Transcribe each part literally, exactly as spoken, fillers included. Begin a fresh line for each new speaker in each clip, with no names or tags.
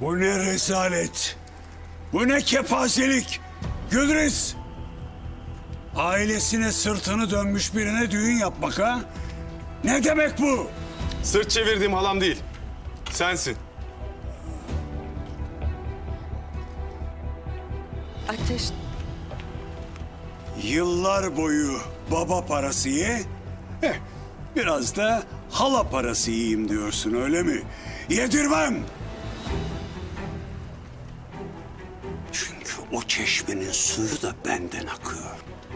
Bu ne rezalet. Bu ne kepazelik. Gülriz. Ailesine sırtını dönmüş birine düğün yapmak ha? Ne demek bu?
Sırt çevirdiğim halam değil. Sensin.
Ateş.
Yıllar boyu baba parası ye, eh, biraz da hala parası yiyeyim diyorsun öyle mi? Yedirmem. Çünkü o çeşmenin suyu da benden akıyor.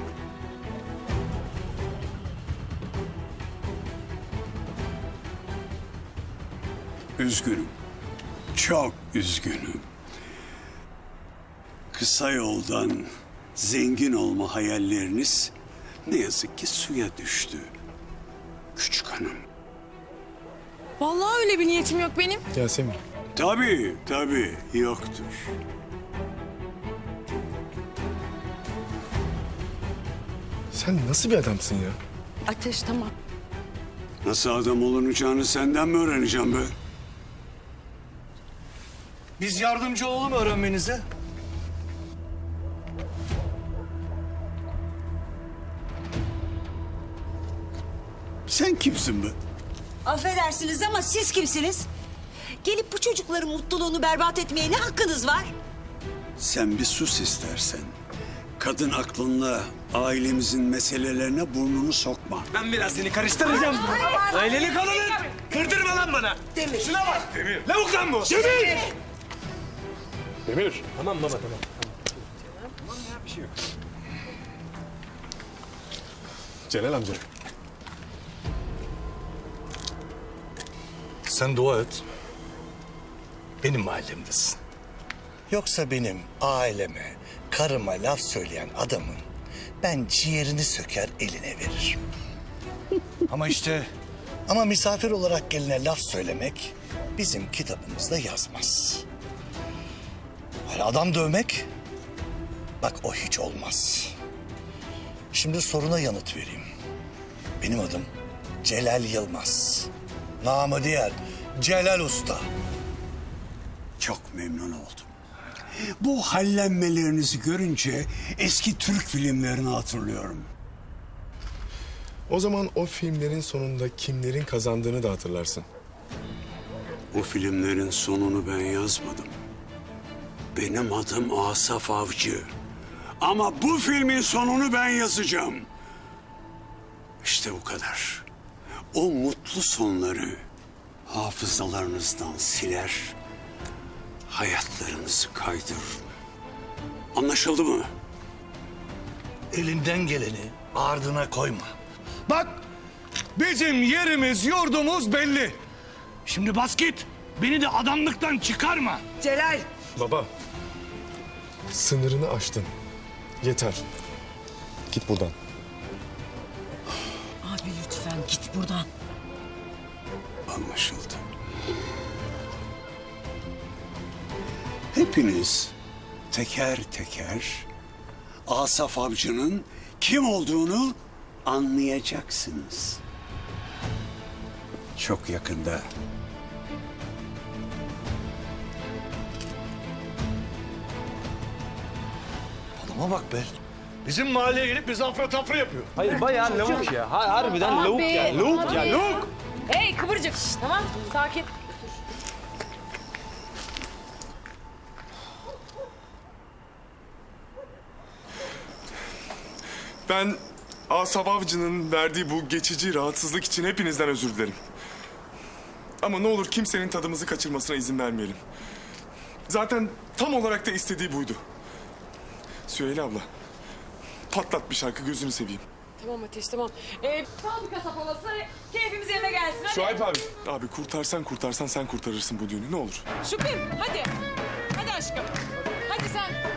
Üzgünüm. Çok üzgünüm. Kısa yoldan zengin olma hayalleriniz ne yazık ki suya düştü. Küçük hanım.
Vallahi öyle bir niyetim yok benim.
Yasemin.
Tabii, tabii yoktur.
Sen nasıl bir adamsın ya?
Ateş tamam.
Nasıl adam olunacağını senden mi öğreneceğim be?
Biz yardımcı olalım öğrenmenize.
Sen kimsin be?
Affedersiniz ama siz kimsiniz? Gelip bu çocukların mutluluğunu berbat etmeye ne hakkınız var?
Sen bir sus istersen. Kadın aklınla ailemizin meselelerine burnunu sokma.
Ben biraz seni karıştıracağım. Aileli kadının. Kırdırma lan bana.
Demir.
Şuna bak. Demir. Lavuk lan bu. Demir. Demir. Tamam baba tamam. Tamam ya bir şey yok.
Celal amca.
Sen dua et. Benim mahallemdesin. Yoksa benim aileme, karıma laf söyleyen adamın ben ciğerini söker eline veririm. Ama işte... Ama misafir olarak geline laf söylemek bizim kitabımızda yazmaz. Hani adam dövmek, bak o hiç olmaz. Şimdi soruna yanıt vereyim. Benim adım Celal Yılmaz. Namı diğer Celal Usta.
Çok memnun oldum. Bu hallenmelerinizi görünce eski Türk filmlerini hatırlıyorum.
O zaman o filmlerin sonunda kimlerin kazandığını da hatırlarsın.
O filmlerin sonunu ben yazmadım. Benim adım Asaf Avcı. Ama bu filmin sonunu ben yazacağım. İşte bu kadar. O mutlu sonları hafızalarınızdan siler, hayatlarınızı kaydırır. Anlaşıldı mı?
Elinden geleni ardına koyma. Bak, bizim yerimiz, yurdumuz belli. Şimdi bas git. Beni de adamlıktan çıkarma.
Celal.
Baba. Sınırını aştın. Yeter. Git buradan.
Abi lütfen git buradan.
Anlaşıldı. Hepiniz teker teker Asaf Avcı'nın kim olduğunu anlayacaksınız. Çok yakında.
Adama bak be. Bizim mahalleye gelip bizi afra tafra yapıyor.
Hayır bayağı lavuk ya. Ha, harbiden lavuk ya. Lavuk ya lavuk.
Hey kıvırcık. Tamam sakin.
Ben Asaf Avcı'nın verdiği bu geçici rahatsızlık için hepinizden özür dilerim. Ama ne olur kimsenin tadımızı kaçırmasına izin vermeyelim. Zaten tam olarak da istediği buydu. Süheyla abla, patlat bir şarkı gözünü seveyim.
Tamam Ateş tamam. Ee, fabrika sapalası keyfimiz yerine gelsin. Hadi.
Şuayb abi. Abi kurtarsan kurtarsan sen kurtarırsın bu düğünü ne olur.
Şükrü hadi. Hadi aşkım. Hadi sen.